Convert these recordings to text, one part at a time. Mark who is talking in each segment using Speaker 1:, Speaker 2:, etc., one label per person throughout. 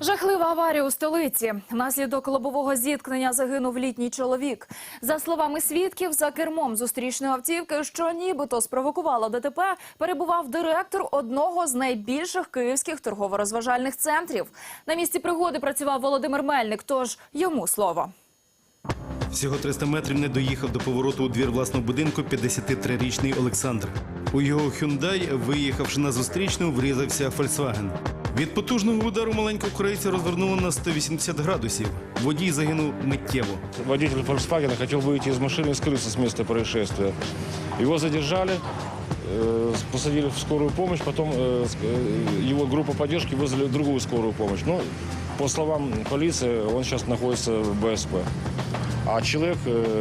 Speaker 1: Жахлива аварія у столиці. Внаслідок лобового зіткнення загинув літній чоловік. За словами свідків, за кермом зустрічної автівки, що нібито спровокувало ДТП, перебував директор одного з найбільших київських торгово-розважальних центрів. На місці пригоди працював Володимир Мельник, тож йому слово.
Speaker 2: Всього 300 метрів не доїхав до повороту у двір власного будинку 53-річний Олександр. У його «Хюндай», виїхавши на зустрічну, врізався «Фольксваген». Від потужного удару маленького корейця розвернуло на 180 градусів. Водій загинув миттєво.
Speaker 3: Водитель «Фольксвагена» хотел выйти из машины и скрыться с места происшествия. Его задержали, посадили в скорую помощь, потом его группа поддержки вызвали другую скорую помощь. Но, по словам полиции, он сейчас находится в БСП. А человек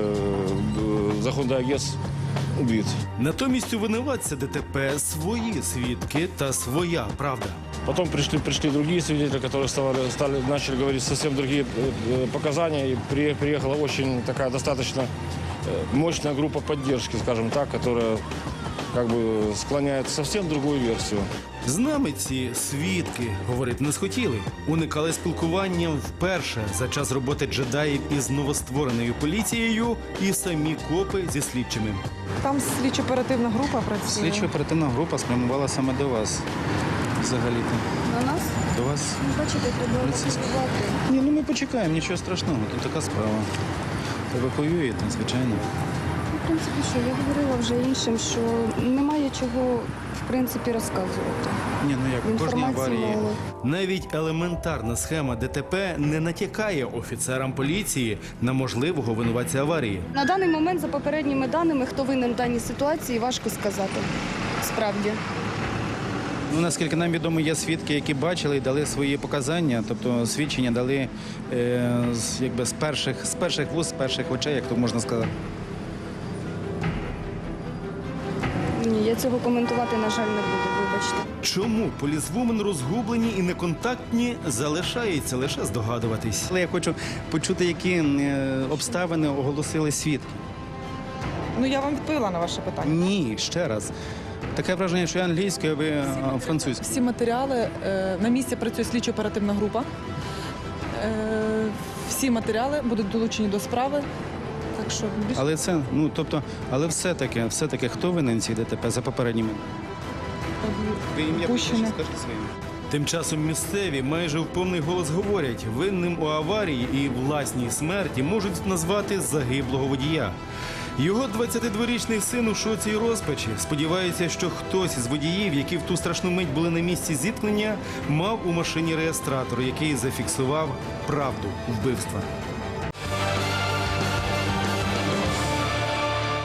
Speaker 3: за Hyundai Getz убит.
Speaker 2: Натомість у винуватця ДТП свої свідки та своя правда.
Speaker 3: Потом пришли другие свидетели, которые начали говорить совсем другие показания. И приехала очень такая достаточно мощная группа поддержки, скажем так, которая как бы склоняет совсем другую версию.
Speaker 2: З нами ці свідки говорити не схотіли. Уникали спілкування вперше за час роботи джедаїв із новоствореною поліцією і самі копи зі слідчими.
Speaker 4: Там слідчо-оперативна група працює.
Speaker 5: Слідчо-оперативна група спрямувала саме до вас. Взагалі-то.
Speaker 4: На нас?
Speaker 5: До вас.
Speaker 4: Бачите, треба евакуювати.
Speaker 5: Ні, ну ми почекаємо, нічого страшного. Тут така справа. Евакуюєте, звичайно.
Speaker 6: В принципі, що я говорила вже іншим, що немає чого, в принципі, розказувати.
Speaker 5: Ні, ну як, в кожній
Speaker 6: Інформації
Speaker 5: аварії.
Speaker 6: мало.
Speaker 2: Навіть елементарна схема ДТП не натякає офіцерам поліції на можливого винуватця аварії.
Speaker 6: На даний момент, за попередніми даними, хто винен в даній ситуації, важко сказати. Справді.
Speaker 5: Ну, наскільки нам відомо, є свідки, які бачили і дали свої показання, тобто свідчення дали якби з перших вуст, з перших очей, як то можна сказати.
Speaker 6: Ні, я цього коментувати, на жаль, не буду, вибачте.
Speaker 2: Чому полісвумен розгублені і неконтактні, залишається лише здогадуватись.
Speaker 5: Але я хочу почути, які обставини оголосили свідки.
Speaker 4: Ну, я вам відповіла на ваше питання.
Speaker 5: Ні, ще раз. Таке враження, що я англійською, а ви французькою.
Speaker 4: Всі матеріали, на місці працює слідчо-оперативна група. Всі матеріали будуть долучені до справи. Так що більше...
Speaker 5: Але це, ну, тобто, але все-таки, хто винен в цій ДТП за попередніми? Ви ім'я
Speaker 4: Пущене.
Speaker 5: скажіть своїм.
Speaker 2: Тим часом місцеві майже в повний голос говорять, винним у аварії і власній смерті можуть назвати загиблого водія. Його 22-річний син у шоці і розпачі. Сподівається, що хтось із водіїв, які в ту страшну мить були на місці зіткнення, мав у машині реєстратор, який зафіксував правду вбивства.